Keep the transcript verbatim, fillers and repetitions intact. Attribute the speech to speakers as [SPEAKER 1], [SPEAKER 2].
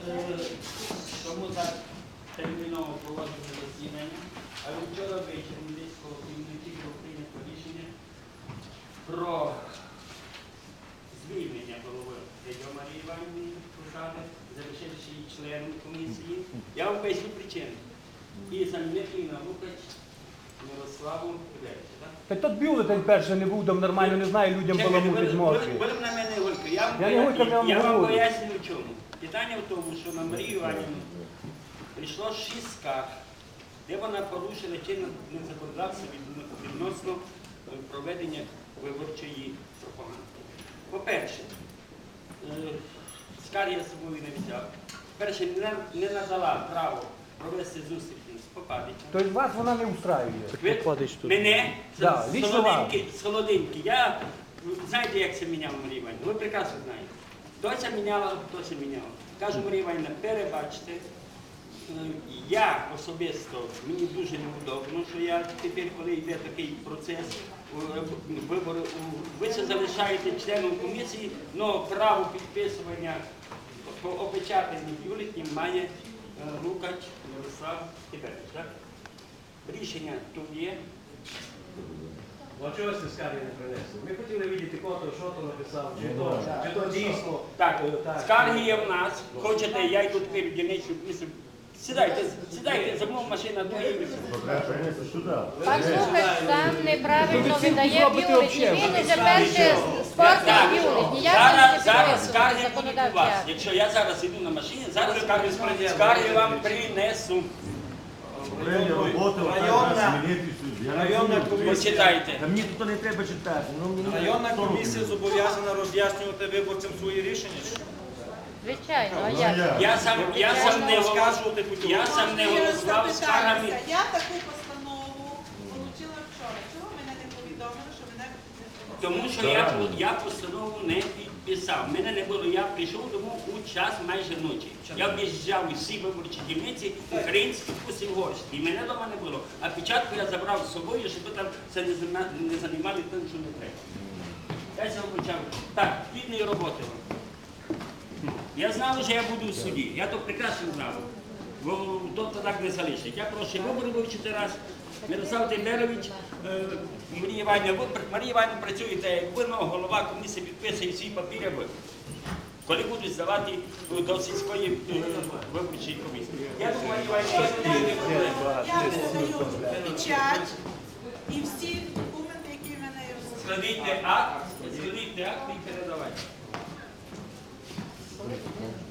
[SPEAKER 1] Тому так терміново проводиться засідання, але вчора ввечері десь коло півночі було прийнято рішення про звільнення голови Дядьо Марії Іванівни посади, залишивши її членом комісії. Я вам поясню причину. І замінити на Лукач Мирославу Іллєвичу, так?
[SPEAKER 2] Та тут бюлетень перший не був, там нормально, не знаю, людям баламутить мозки.
[SPEAKER 1] Будемо на мене голько. Я
[SPEAKER 2] Я не голько, я вам
[SPEAKER 1] я вам
[SPEAKER 2] говорю.
[SPEAKER 1] поясню в чому. Питання в тому, що на Марію Іванівну прийшло шість скарг, де вона порушила чинне законодавство відносно проведення виборчої пропаганди. По-перше, скарги я з собою не взяв. Перше, не, не надала право провести зустріч з Попадичем.
[SPEAKER 2] Тобто вас вона не устраює?
[SPEAKER 1] Ви, мене,
[SPEAKER 2] Да,
[SPEAKER 1] з,
[SPEAKER 2] лично
[SPEAKER 1] солодинки, з солодинки. Я, знаєте, як це міняла Марія Іванівна? Ви прекрасно знаєте. Хто це міняла, хто це міняла. Кажу, Марія Іванівна, перебачте. Я особисто, мені дуже неудобно, що я тепер, коли йде такий процес вибору, ви це залишаєте членом комісії, але право підписування по опечатанні бюлетнів має Лукач Мирослав Іллєвич. Так? Рішення тут є.
[SPEAKER 2] А чого ви скарги не принесли? Ми хотіли бачити, хто, що то написав, чи то, чи то дійсно.
[SPEAKER 1] Так, скарги є в нас. Хочете, я йду тепер в дільничну комісію. Сідайте, сідайте, за мною машина доїде.
[SPEAKER 3] Пан Лукач сам неправильно видає бюлетні. Він уже перше спортив бюлетні. Я
[SPEAKER 1] Зараз,
[SPEAKER 3] зараз
[SPEAKER 1] зараз скарги будуть у вас.
[SPEAKER 3] законодавця.
[SPEAKER 1] Якщо я зараз йду на машині, зараз скарги, скарги вам принесу.
[SPEAKER 4] Районна комісія.
[SPEAKER 1] Почитайте.
[SPEAKER 4] Мені тут не треба читати. Районна комісія зобов'язана роз'яснювати виборцям свої рішення.
[SPEAKER 3] Звичайно, а як?
[SPEAKER 1] Я сам, я сам не голосував,
[SPEAKER 4] розказувати хотів.
[SPEAKER 1] я сам не голосував скаргами.
[SPEAKER 5] Я таку постанову отримала вчора. Чого мене не повідомили, що мене не
[SPEAKER 1] Тому що я, я постанову не підписав. Мене не було, я прийшов дому у час майже ночі. Я об'їжджав усі виборчі дільниці, українські, плюс і угорські. І мене вдома не було. А печатку я забрав з собою, щоб там це не, займа- не займали тим, що не треба. Я цього почав. Так, плідної роботи вам. Я знав, що я буду в суді. Я то прекрасно знав. Бо тобто так не залишить. Я прошу вибори вивчити раз. Мирослав Тендерович, е, Марія Іванівна, ви, Марія Іванівна, працюєте, як ви, голова комісії підписує всі папіри, ви. Коли будуть здавати до сільської е, виборчої комісії. Я думаю, Марія Іванівна,
[SPEAKER 5] Я передаю печать і всі документи, які в мене є.
[SPEAKER 1] складіть акт, складіть акт і передавайте.
[SPEAKER 3] Thank you.